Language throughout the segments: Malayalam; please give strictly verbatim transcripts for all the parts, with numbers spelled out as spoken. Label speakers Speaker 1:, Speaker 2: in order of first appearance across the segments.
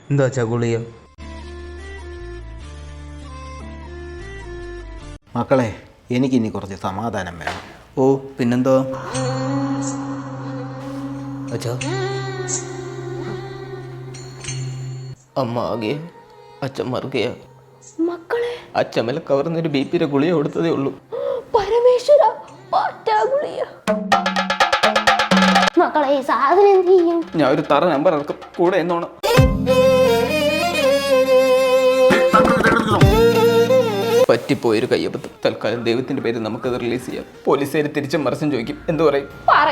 Speaker 1: എന്താ ചകുളിയ?
Speaker 2: മക്കളെ, എനിക്കിനി കുറച്ച് സമാധാനം വേണം.
Speaker 1: ഓ പിന്നെന്തോ അച്ഛാ. അമ്മ ആകെ അച്ഛൻ മറുകയാ.
Speaker 3: മക്കളെ,
Speaker 1: അച്ഛമ്മല കവർന്നൊരു ബി പിയുടെ ഗുളിക കൊടുത്തതേ ഉള്ളൂ.
Speaker 3: പരമേശ്വര ഗുളിയ. മക്കളെ, ഈ സാധനം എന്ത് ചെയ്യും?
Speaker 1: ഞാൻ ഒരു തറ നമ്പർ ഇറക്കും, കൂടെ എന്നോണം. പറ്റിപ്പോയൊരു കയ്യബദ്ധം. തൽക്കാലം ദൈവത്തിന്റെ പേര് നമുക്കത് റിലീസ് ചെയ്യാം. പോലീസുകാർ തിരിച്ചും മറിച്ചും ചോദിക്കും, എന്തു പറയും?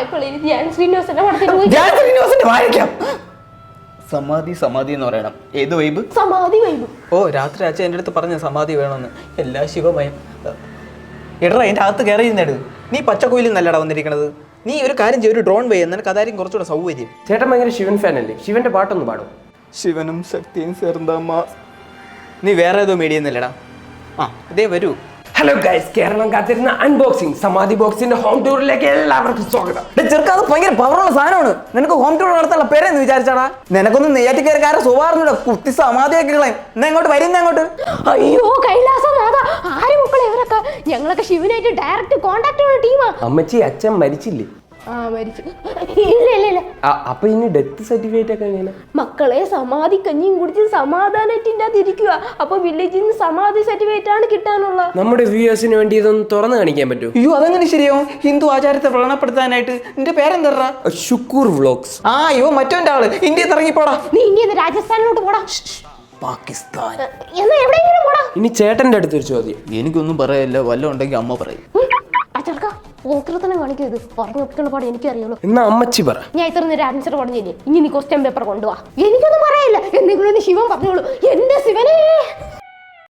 Speaker 1: സമാധി സമാധി എന്ന് പറയണം. ഏത് വൈബ്?
Speaker 3: സമാധി വൈബ്.
Speaker 1: ഓ, രാത്രി അച്ഛൻ എൻ്റെ അടുത്ത് പറഞ്ഞ സമാധി വേണമെന്ന്. എല്ലാ ശിവമയം. എടാ, എൻ്റെ അകത്ത് കയറി ഇരുന്നെടു. നീ പച്ചക്കോയിലും നല്ലടാ വന്നിരിക്കണത്. നീ ഒരു കാര്യം ചെയ്യും, ഒരു ഡ്രോൺ വയ്യ, നിനക്ക് അതായിരിക്കും കുറച്ചുകൂടെ സൗകര്യം.
Speaker 4: ചേട്ടൻ ഭയങ്കര ശിവൻ ഫാൻ അല്ലേ? ശിവന്റെ പാട്ടൊന്ന് പാടും.
Speaker 1: ശിവനും ശക്തിയും ചേർന്നമ്മ. നീ വേറെ ഏതോ മീഡിയ എന്നല്ലടാ. ആ ഇതേ വരൂ.
Speaker 4: ഹലോ ഗൈസ്, കേരളം കാത്തിരുന്ന അൺബോക്സിംഗ് സമാധി ബോക്സിന്റെ ഹോം ടൂറിലേക്ക് എല്ലാവർക്കും സ്വാഗതം.
Speaker 5: ചെറുക്കാ, അത് ഭയങ്കര പവറുള്ള സാധനമാണ്. നിനക്ക് ഹോം ടൂർ നടത്താനുള്ള പേരെന്ന് വിചാരിച്ചാടാ? നിനക്കൊന്നും നെയ്യാറ്റിക്കാരക്കാരെ സ്വഭാവം കുത്തി സമാധിയൊക്കെ കളയും. എന്നാ ഇങ്ങോട്ട് വരുന്ന അങ്ങോട്ട്.
Speaker 3: അയ്യോ കൈലാസനാഥ, ആര് മക്കളെ ഇവരൊക്കെ? ഞങ്ങളൊക്കെ ശിവനായിട്ട് ഡയറക്റ്റ് കോണ്ടാക്ട് ഉള്ള ടീമാ.
Speaker 4: അമ്മച്ചി, അച്ഛൻ മരിച്ചില്ലേ?
Speaker 3: ആ മരിച്ചു. ഇല്ല ഇല്ല ഇല്ല.
Speaker 4: അപ്പൊ ഇനി ഡെത്ത് സർട്ടിഫിക്കറ്റ് ഒക്കെ എങ്ങനെ?
Speaker 3: മക്കളെ, സമാധി കഞ്ഞിയും കുടിച്ച് സമാധാനത്തിന്റെ അത് ഇരിക്കുക. അപ്പൊ വില്ലേജിൽ നിന്ന് സമാധി സർട്ടിഫിക്കറ്റ് ആണ് കിട്ടാനുള്ള.
Speaker 4: നമ്മുടെ വ്യൂവേഴ്സിന് വേണ്ടി ഇതൊന്ന് തുറന്നു കാണിക്കാൻ പറ്റുമോ?
Speaker 5: അയ്യോ, അതെങ്ങനെ ശരിയാവും? ഹിന്ദു ആചാരത്തെ വ്രണപ്പെടുത്താനായിട്ട്. നിന്റെ പേരെന്താ?
Speaker 4: ഷുക്കൂർ വ്ലോഗ്സ്.
Speaker 5: ആ അയ്യോ, മറ്റോന്റെ ആള്. ഇന്ത്യയിൽ ഇറങ്ങിപ്പോടാ.
Speaker 3: നീ ഇന്ത്യയിൽ രാജസ്ഥാനിലോട്ട് പോടാ.
Speaker 5: പാകിസ്ഥാൻ.
Speaker 3: എന്നാ എവിടെയെങ്കിലും പോടാ.
Speaker 4: ഇനി ചേട്ടന്റെ അടുത്തൊരു ചോദ്യം.
Speaker 1: എനിക്കൊന്നും പറയല്ല, വല്ലതും ഉണ്ടെങ്കിൽ അമ്മ പറയും.
Speaker 3: അച്ചടക്ക ഓക്രത്തനം കാണിക്കരുത്. പറഞ്ഞു ഒപ്പിക്കുന്ന പാട് എനിക്കറിയാലോ.
Speaker 4: എന്നാ അമ്മച്ചി പറ.
Speaker 3: ഞാൻ ഇത്ര നേരം ആൻസർ പറഞ്ഞില്ലേ, ഇനി നീ ക്വസ്റ്റ്യൻ പേപ്പർ കൊണ്ടുപോവാ. എനിക്കൊന്നും പറയില്ല. എന്തെങ്കിലും ഒന്ന് ശിവൻ പറഞ്ഞോളൂ. എന്റെ ശിവനെ.